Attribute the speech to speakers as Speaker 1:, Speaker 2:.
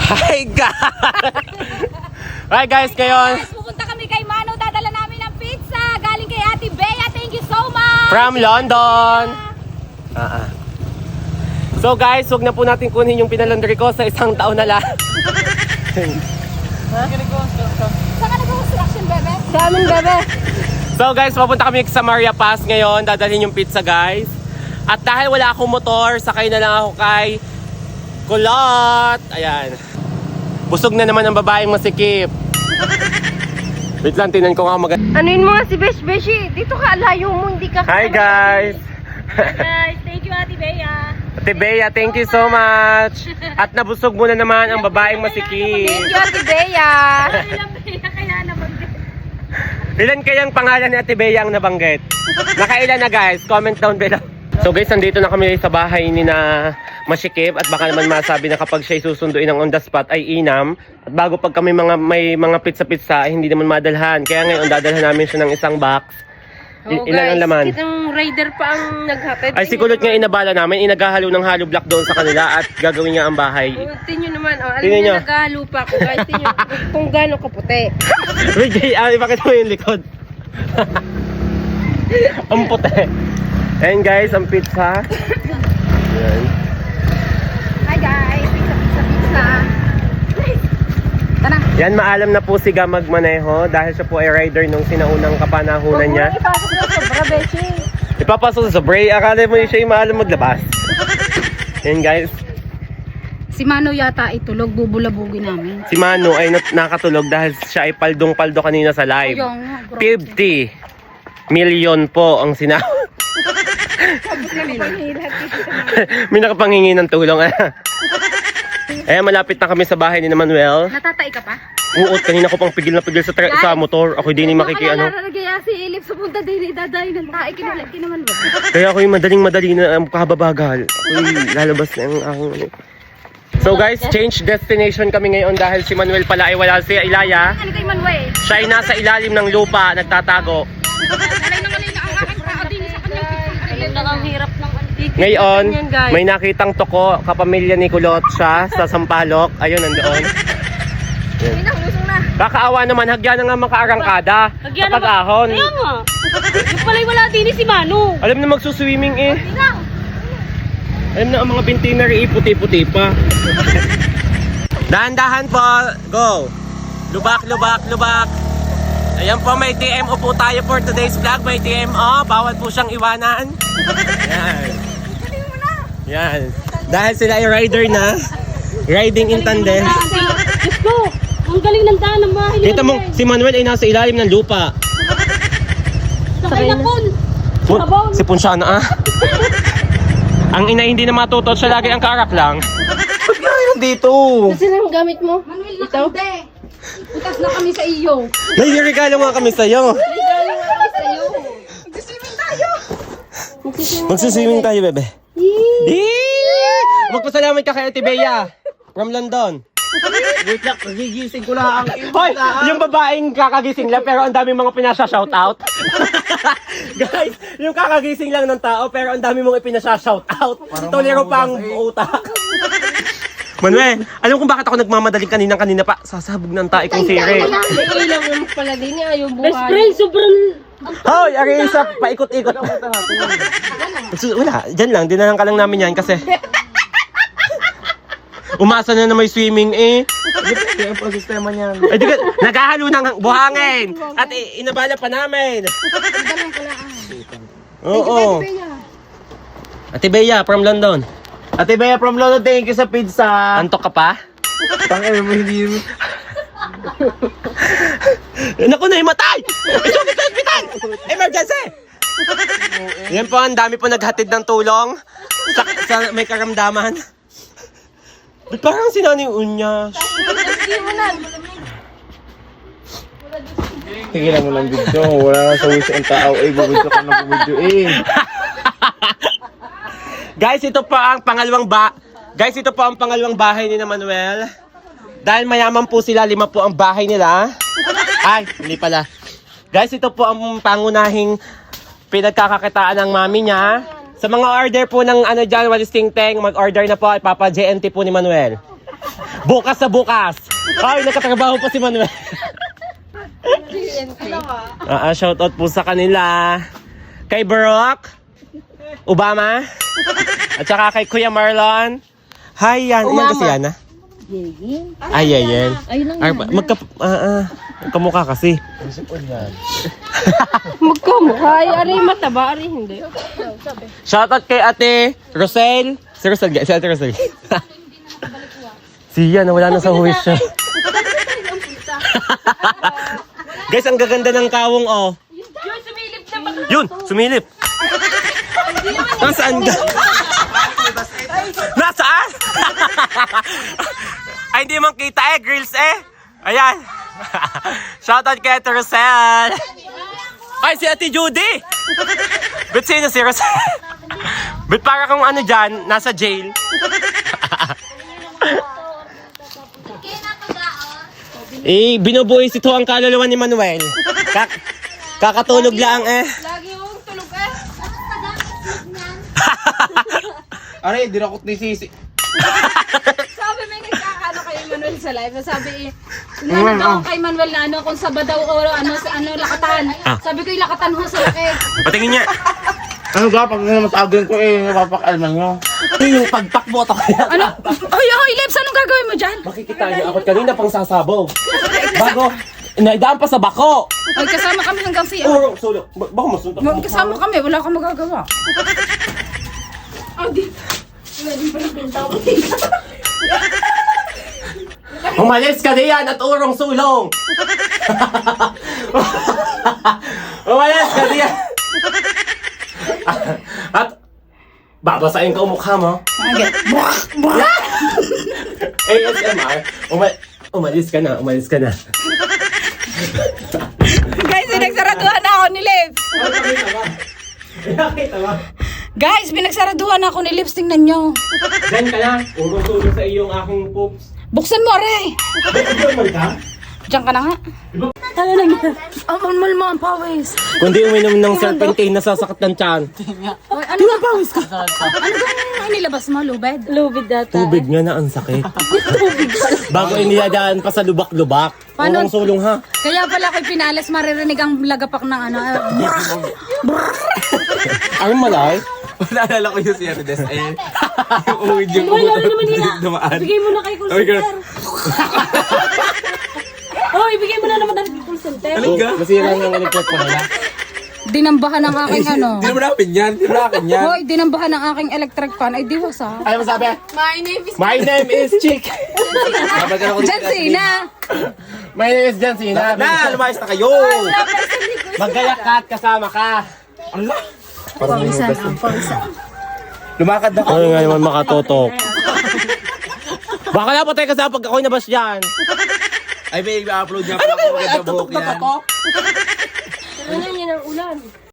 Speaker 1: Hi guys! Hi guys, ngayon
Speaker 2: Guys, pupunta kami kay Mano. Dadala namin ng pizza. Galing kay Ate Bea. Thank you so much.
Speaker 1: from London. So guys, wag na po natin kunin yung pinalandry ko sa isang taon na lang.
Speaker 2: Saan ka nag-construction, bebe? Sa amin, bebe.
Speaker 1: So guys, papunta kami sa Maria Paz ngayon. Dadalhin yung pizza guys. At dahil wala akong motor, sakay na lang ako kay Kulot. Ayan. Busog na naman ang babaeng masikip. Wait lang, tinan ko nga
Speaker 2: Anuin mo nga si Besh Beshi. Dito ka, layo mo. Hindi ka
Speaker 1: Hi guys!
Speaker 2: Hi guys, thank you Ate Bea.
Speaker 1: Ate Bea, thank you so much. At nabusog mo na naman ang babaeng masikip.
Speaker 2: Thank you Ate Bea.
Speaker 1: Ilan kayang pangalan ni Ate Bea ang nabanggit? Nakailan na guys? Comment down below. So guys, nandito na kami sa bahay ni na Masikip at baka naman masabi na kapag siya'y susunduin ng on the spot ay inam. At bago pag kami may mga pizza-pizza ay hindi naman madalhan. Kaya ngayon dadalhan namin siya ng isang box. Ilan ang laman?
Speaker 2: Itong rider pa ang naghatid.
Speaker 1: Ay si Kulot nga inabala namin, inaghahalo ng hollow block doon sa kanila at gagawin niya ang bahay.
Speaker 2: Tingnan naman, alam
Speaker 1: Tingnan
Speaker 2: niyo
Speaker 1: nyo.
Speaker 2: naghahalo pa ako guys. Tingnan kung gaano kaputi.
Speaker 1: Wait, ipakita mo yung likod. Ang puti. Ayan guys, ang pizza. Ayan.
Speaker 2: Hi guys, pizza. Tara.
Speaker 1: Yan, maalam na po si Ga magmaneho dahil siya po ay rider nung sinaunang kapanahunan niya.
Speaker 2: Ipasok na sobra, Beshi.
Speaker 1: Ipapasok sa Bray, akala mo siya yung maalam maglabas. Yan guys,
Speaker 2: Si Mano yata itulog, bubulabugin namin.
Speaker 1: si Mano ay nakatulog dahil siya ay paldong-paldo kanina sa live. 50 million po ang sinahod. May nakapanghingi ng tulong. Eh, malapit na kami sa bahay ni Manuel.
Speaker 2: Natatay ka pa?
Speaker 1: Uot, kanina ko pang pigil na pigil sa motor. Ako hindi makikiano.
Speaker 2: Kaya si Elif sa punta din, dadayo ng tae. Kinalagin naman ba?
Speaker 1: Kaya ako yung madaling-madali na kababagal. Ako'y lalabas na ang aking... So guys, change destination kami ngayon dahil si Manuel pala ay wala si Ilaya.
Speaker 2: Ano kay Manuel?
Speaker 1: Siya ay nasa ilalim ng lupa, nagtatago.
Speaker 2: Alay na ang aking paa din sa kanyang picture. Ayun lang ang hirap ng
Speaker 1: Ngayon, may nakitang toko, kapamilya ni Kulot siya sa Sampaloc. Ayun, nandoon. Yan.
Speaker 2: Lusong na.
Speaker 1: Kakaawa naman, hagyan na nga makaarangkada sa pag-ahon.
Speaker 2: Kaya nga. Yung pala'y wala din si Mano.
Speaker 1: Alam na magsuswimming eh.
Speaker 2: Lang.
Speaker 1: Alam na ang mga bintinary puti-puti pa. Dahan-dahan po. Go. Lubak, lubak, lubak. Ayan po, may TMO po tayo for today's vlog. May TMO. Bawal po siyang iwanan. Yan. Yan. Dahil sila ay rider na. Riding in tandem.
Speaker 2: Diyos ko. Ang galing ng daan ng mahal.
Speaker 1: Kita mo, si Manuel ay nasa ilalim ng lupa.
Speaker 2: Sakay na pun.
Speaker 1: Si Punsyana ah. Ang ina hindi na matutot, siya lagi ang karak lang. Ba't ngayon dito?
Speaker 2: Kasi lang gamit mo. Manuel, ito. Utas na kami sa iyo.
Speaker 1: Nagregalo nga kami sa'yo.
Speaker 2: Regalo nga kami sa iyo. Magsiswimming tayo.
Speaker 1: Magsiswimming tayo, bebe. Magpasalamat ka kay Ate Bea from London.
Speaker 3: Wait lang, gigising ko lang ang
Speaker 1: Hoy, yung babaeng kakagising lang pero ang daming mga pinasa-shoutout. Guys, yung kakagising lang ng tao pero ang dami mong ipinasa-shoutout. Tolero pa ang utak. Manuel, alam kung bakit ako nagmamadaling kanina pa. Sasabog ng tae kong siri.
Speaker 2: May ilang naman pala din niya. Ayaw buhay. Best friend, sobrang...
Speaker 1: Hoy, ari isa, paikot-ikot. Wala, dyan lang. Dinahan ka lang namin yan kasi... Umasa na may swimming eh.
Speaker 3: Depende ang prosistema niyan.
Speaker 1: Ay, di ka, naghahalo ng buhangin. At inabala pa namin. Oo. Ate Bea from London.
Speaker 3: Ate Bea from London, thank you sa pizza.
Speaker 1: Antok ka pa?
Speaker 3: Tangin mo hindi mo.
Speaker 1: Naku, nahimatay! Isugit sa hospital! Emergency! Yan po, ang dami po naghatid ng tulong sa may karamdaman. Ba't parang sinani Unyas?
Speaker 3: Tigilan mo lang video. Wala na sa wish ang tao. Bubidyo ka na bubidyo
Speaker 1: Guys, ito pa ang pangalawang bahay ni na Manuel. Dahil mayaman po sila, 5 po ang bahay nila. Ay, hindi pala. Guys, ito po ang pangunahing pinagkakakitaan ng mami niya. Sa mga order po ng ano dyan, Walis Ting Teng, mag-order na po, ipapa-JNT po ni Manuel. Bukas sa bukas. Ay, nakatrabaho pa si Manuel. Shoutout po sa kanila. Kay Barack Obama. At saka kay Kuya Marlon. Hi, yan. Yan kasi yan, ha? Ay, yan. Ay, magkamukha kasi.
Speaker 2: Magkamukha. Ari mataba, ari hindi.
Speaker 1: Shoutout kay Ate Rosel. Si Rosel, si Ate Rosel. Siya, nawala na sa huwis siya. Guys, ang gaganda ng kawong, oh.
Speaker 2: Yun, sumilip naman.
Speaker 1: Yun, sumilip. Nasaan ka? Nasaan? Ay, hindi man kita eh, girls eh. Ayan. Shoutout kay Ate Rosel. Ay, si Ate Judy. Ba't sino si Rosel? Ba't para kung ano dyan, nasa jail? Binubuhay ito ang kaluluwa ni Manuel. Kakatulog lang eh.
Speaker 2: Lagi yung tulog eh.
Speaker 3: Aray, dinakot ni Sisi.
Speaker 2: Sabi may nagkakano kay Manuel sa live. Sabi sinanong daw kay Manuel na ano, kung saba daw o ano, lakatan. Sabi ko yung lakatan ho sa laki.
Speaker 1: Patingin niya.
Speaker 3: Ano ga, pag namatagin ko napapakalman nyo.
Speaker 1: Yung pagtakbo ito kaya.
Speaker 2: Ano? Hoy, Lips, anong gagawin mo dyan?
Speaker 1: Makikita niyo ako kanina pang sasabaw. Bago, inaidaan pa sa bako.
Speaker 2: Hoy, kasama kami hanggang siya.
Speaker 1: Oh, solo. Baka masuntok.
Speaker 2: Kasama kami, wala kang magagawa. Oh, di.
Speaker 1: Umalis ka diyan at urong sulong. Umalis ka diyan. At babasahin ko ang mukha mo. ASMR. Umalis ka na, umalis ka na.
Speaker 2: Guys, pinagsaraduhan na ako ni Lips.
Speaker 1: Nakita ba?
Speaker 2: Guys, pinagsaraduhan na ako ni Lips. Tingnan nyo.
Speaker 1: Diyan ka na. Urong sulong sa iyong aking poops.
Speaker 2: Buksan mo, Aray.
Speaker 1: Diyan man ka?
Speaker 2: Diyan ka na nga. Tayo lang yan. Ang malmal mo ang pawis.
Speaker 1: Kundi uminom ng serpentine na sasakit ng tiyan.
Speaker 2: Hoy, ano ba pawis ka? Ano bang nilabas mo? Lubed? Lubed data.
Speaker 1: Tubig nga na ang sakit. Bago iniladaan pa sa lubak-lubak.
Speaker 2: Paano?
Speaker 1: Urong sulong ha.
Speaker 2: Kaya pala kay Pinales maririnig ang lagapak ng ano.
Speaker 1: Ang malay.
Speaker 3: Naalala ko yung si Arides. Ayun. Yung uwid yung dumaan.
Speaker 2: Ibigay mo na kay call center. Oh, ibigay mo na naman ng call center.
Speaker 1: Masira ng electric pa nila.
Speaker 2: Dinambahan ng aking ano.
Speaker 3: Di naman namin yan. Di naman namin yan.
Speaker 2: Hoy, dinambahan ng aking electric fan. Ay, diwas ah.
Speaker 1: Ayaw mo sabi? My name is Chick.
Speaker 2: Diyan sina.
Speaker 1: My name is John Cena.
Speaker 3: Na, lumayas na kayo.
Speaker 1: Magayakat kasama ka.
Speaker 3: Allah.
Speaker 2: Pawisan ang pawisan.
Speaker 3: Lumakad na
Speaker 1: Ano nga naman makatotok? Baka napatay ka sa pag ako'y nabas dyan.
Speaker 3: Ay, may i-upload niya pa ako. Maganda buhok yan.
Speaker 2: Ano yan ang ulan?